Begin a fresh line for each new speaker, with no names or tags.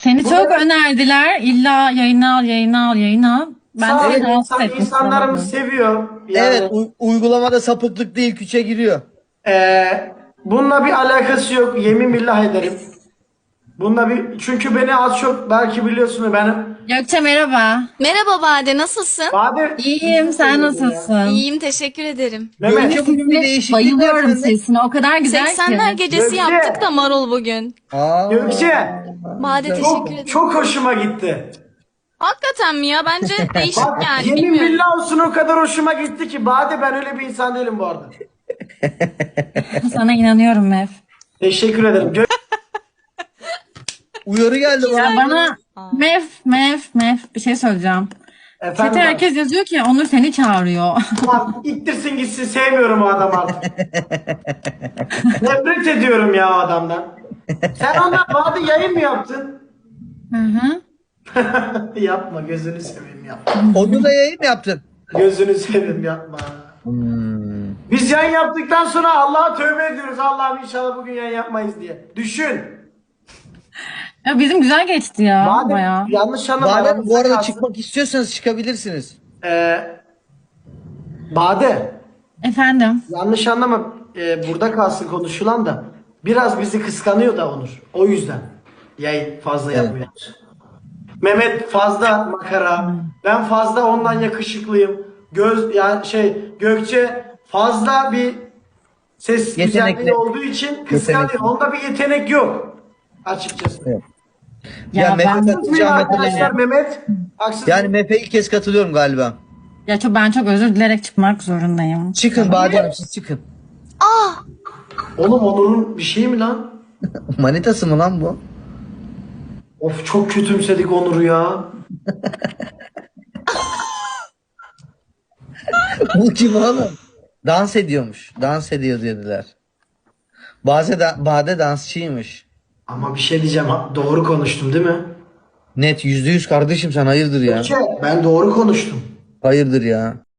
Seni
Bu
çok
da-
önerdiler. İlla yayına al, yayına al, yayına al. Ben
Sağ ol,
seni rahatsız etmek
insanlarımız
istemedim.
seviyor.
Evet,
Yani
uygulamada sapıklık değil, küçe giriyor.
bununla bir alakası yok. Yemin billah ederim. Bununla bir çünkü beni az çok belki biliyorsunuz benim.
Gökçe merhaba.
Merhaba Bade, nasılsın?
Bahadır.
İyiyim, sen nasılsın?
İyiyim, teşekkür ederim.
Mehmet.
Gökçe bugün bir değişiklik var
Bayılıyorum
sende.
sesine. O kadar güzel
80'ler
ki.
gecesi
Gökçe.
yaptık da Marul bugün.
Aa,
Gökçe.
Bade teşekkür
Çok,
ederim.
çok hoşuma gitti.
Hakikaten mi ya? Bence değişik
Bak
yani.
yemin
Bilmiyorum.
billah olsun o kadar hoşuma gitti ki. Bade ben öyle bir insan değilim bu arada.
Sana inanıyorum Mev.
Teşekkür ederim.
uyarı geldi
Ya
bana.
bana Mev bir şey söyleyeceğim.
Efendim.
Chat'e herkes yazıyor ki Onur seni çağırıyor.
Lan ittirsin gitsin sevmiyorum o adamı artık. Nefret ediyorum ya o adamdan. Sen ondan Bade yayın mı yaptın?
Hı hı.
Yapma gözünü seveyim yapma.
Onu da yayın mı yaptın?
Gözünü seveyim yapma. Biz yayın yaptıktan sonra Allah'a tövbe ediyoruz. Allah'ım inşallah bugün yayın yapmayız diye. Düşün.
Ya bizim güzel geçti ya
Bade
bayağı.
yanlış anlama.
Bade, bu
aramızda
arada
kalsın.
çıkmak istiyorsanız çıkabilirsiniz.
Bade
Efendim.
yanlış anlama. Burada kalsın konuşulan da. Biraz bizi kıskanıyor da Onur. O yüzden. Yayın fazla
Evet.
yapmıyoruz. Mehmet fazla makara. Ben fazla ondan yakışıklıyım. Gökçe fazla bir ses
Yetenekli.
güzelliği olduğu için kıskanıyor.
Yetenekli.
Onda bir yetenek yok. Açıkçası.
Evet.
Ya,
Ya,
ben
Mehmet
Haksız mıyım
atacağım
arkadaşlar Mehmet? Haksız
Yani
mıyım?
Mehmet'e ilk kez katılıyorum galiba.
ben çok özür dilerek çıkmak zorundayım.
Çıkın Bade Hanım, siz çıkın.
Oğlum Onur'un bir şey mi lan?
Manitası mı lan bu?
Of çok kötümsedik Onur'u ya.
Bu kim oğlum? Dans ediyormuş. Dans ediyor dediler. Bade dansçıymış.
Ama bir şey diyeceğim. Doğru konuştum değil mi?
Net %100 kardeşim, sen hayırdır ya?
Ben doğru konuştum.
Hayırdır ya?